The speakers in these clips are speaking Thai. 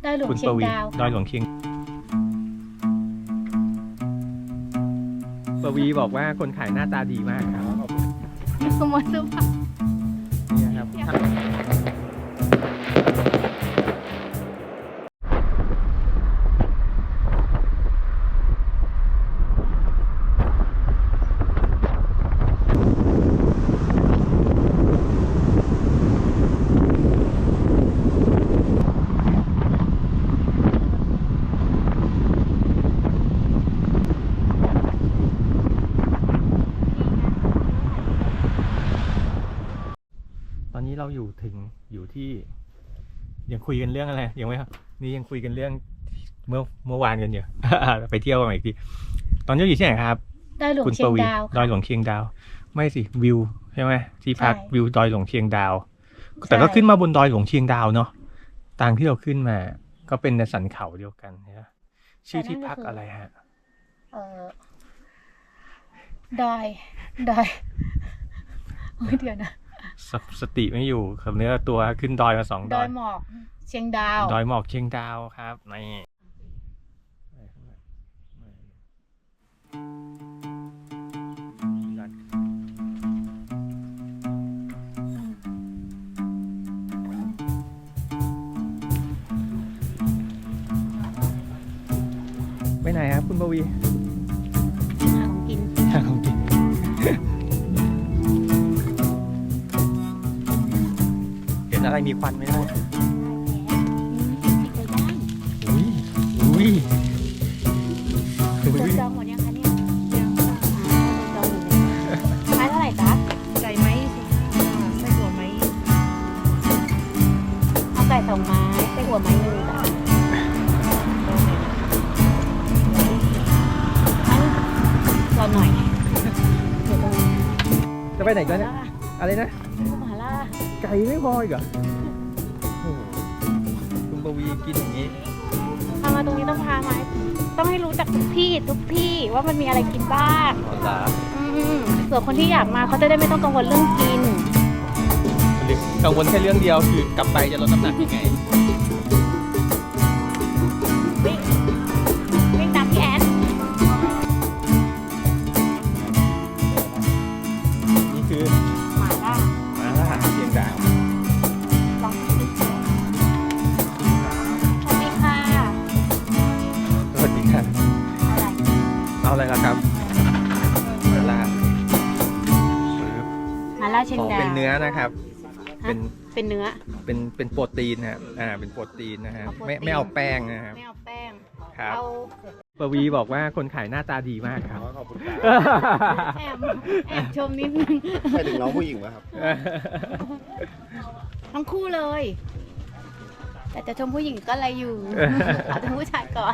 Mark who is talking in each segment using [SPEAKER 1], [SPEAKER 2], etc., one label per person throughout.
[SPEAKER 1] อยหลวงเชียงดาว
[SPEAKER 2] ดอยหลวงเชียงปวีบอกว่าคนขายหน้าตาดีมากครับ
[SPEAKER 1] ขโมยเสื้อผ้า
[SPEAKER 2] นี่ครับตอนนี้เราอยู่ที่ยังคุยกันเรื่องอะไรยังไม่นี่ยังคุยกันเรื่องเมื่อวานกันอยู่ ไปเที่ยวกันอีกทีตอนนี้อยู่ที่ไหนครับ
[SPEAKER 1] ดอยหลวงเชียงดาว
[SPEAKER 2] ดอยหลวงเชียงดาวไม่สิวิวใช่ไหมที่พักวิวดอยหลวงเชียงดาวแต่ก็ขึ้นมาบนดอยหลวงเชียงดาวเนาะทางที่เราขึ้นมาก็เป็นในสันเขาเดียวกันนะชื่อที่พักอะไรฮะ
[SPEAKER 1] ดอยเดี๋ยวนะ
[SPEAKER 2] สติไม่อยู่กับเนื้อตัวขึ้นดอยมา2 ดอย
[SPEAKER 1] หมอกเชียงดาว
[SPEAKER 2] ดอยหมอกเชียงดาวครับนี่ไปไหนครับคุณปวี
[SPEAKER 1] หาของกิน
[SPEAKER 2] เห็นอะไรมีควันไหมล่ะ
[SPEAKER 1] จองหมดยังคะเนี่ยยังจองหมดเลยไม้เท่าไหร่จ๊ะ
[SPEAKER 3] ไก่ไม้ไส้หัวไม้
[SPEAKER 1] เอาไก่2 ไม้ไส้หัวไม้1จ้ะรอหน่อย
[SPEAKER 2] จะไปไหนกันเนี่ยอะไรนะ
[SPEAKER 1] หม่าล่า
[SPEAKER 2] ไก่ไม่พออีกเหรอคุณปวีกินอย่างนี้
[SPEAKER 1] พามาตรงนี้ต้องพามาต้องให้รู้จักทุกที่ว่ามันมีอะไรกินบ้างส่วนคนที่อยากมาเขาจะได้ไม่ต้องกังวลเรื่องกิน
[SPEAKER 2] กังวลแค่เรื่องเดียวคือกลับไปจะลดน้ำหนักยังไง
[SPEAKER 1] วิ่งตามพี่แอน
[SPEAKER 2] นี่คือ
[SPEAKER 1] หม่าล่า
[SPEAKER 2] เชียงดาว
[SPEAKER 1] ลองสวัสดีค่ะ
[SPEAKER 2] สวัสดีค่ะเอาอะไรล่ะครับหม่าล่า
[SPEAKER 1] เชียงดาว
[SPEAKER 2] เป็นเนื้อนะครับ
[SPEAKER 1] เป็นเนื้อ
[SPEAKER 2] เป็นโปรตีนนะครับเป็นโปรตีนนะฮะไม่เอาแป้งนะครับ
[SPEAKER 1] ไม่เอาแป้ง
[SPEAKER 2] ครับปวีบอกว่าคนขายหน้าตาดีมากครับ
[SPEAKER 3] ขอบคุณ
[SPEAKER 1] ครับแอบชมนิดนึง
[SPEAKER 3] ใช่ถึงน้องผู้หญิงไหมครับ
[SPEAKER 1] ทั้งคู่เลยแต่จะชมผู้หญิงก็อะไรอยู่เอาแต่ผู้ชายก่อน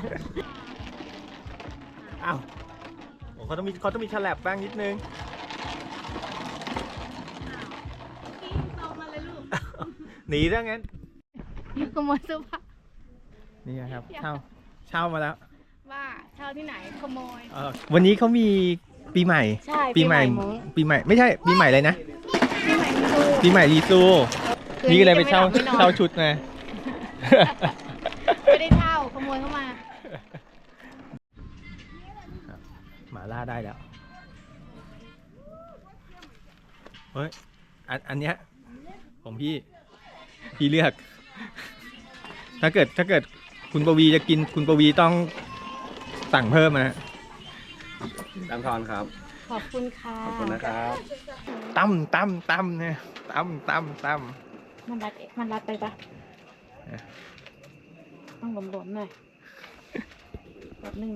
[SPEAKER 2] อ้าวเขาต้องมีฉลับบ้างนิดนึงหนีซะงั้น
[SPEAKER 1] ขโมยเสื้อผ้า
[SPEAKER 2] นี่ครับเช่ามาแล้ว
[SPEAKER 1] ว่าเช่าที่ไหนขโมย
[SPEAKER 2] วันนี้เขามีปีใหม่
[SPEAKER 1] ใช่
[SPEAKER 2] ปีใหม่ไม่ใช่ปีใหม่เลยนะปีใหม่รีซูนี่ก็เลยไปเช่าชุดนะ
[SPEAKER 1] ไม่ได้เช่าขโมยเข้ามา
[SPEAKER 2] หม่าล่าได้แล้วเฮ้ยอันเนี้ยของพี่เลือกถ้าเกิดคุณปวีจะกินคุณปวีต้องสั่งเพิ่มนะ
[SPEAKER 3] ตามทอนครับ
[SPEAKER 1] ขอบคุณค่ะ
[SPEAKER 3] ขอบคุณนะครับ
[SPEAKER 2] ตั้มเนี่ยตั้ม
[SPEAKER 1] มันรัดไปปะต้องหลวมๆหน่อยแบบนึง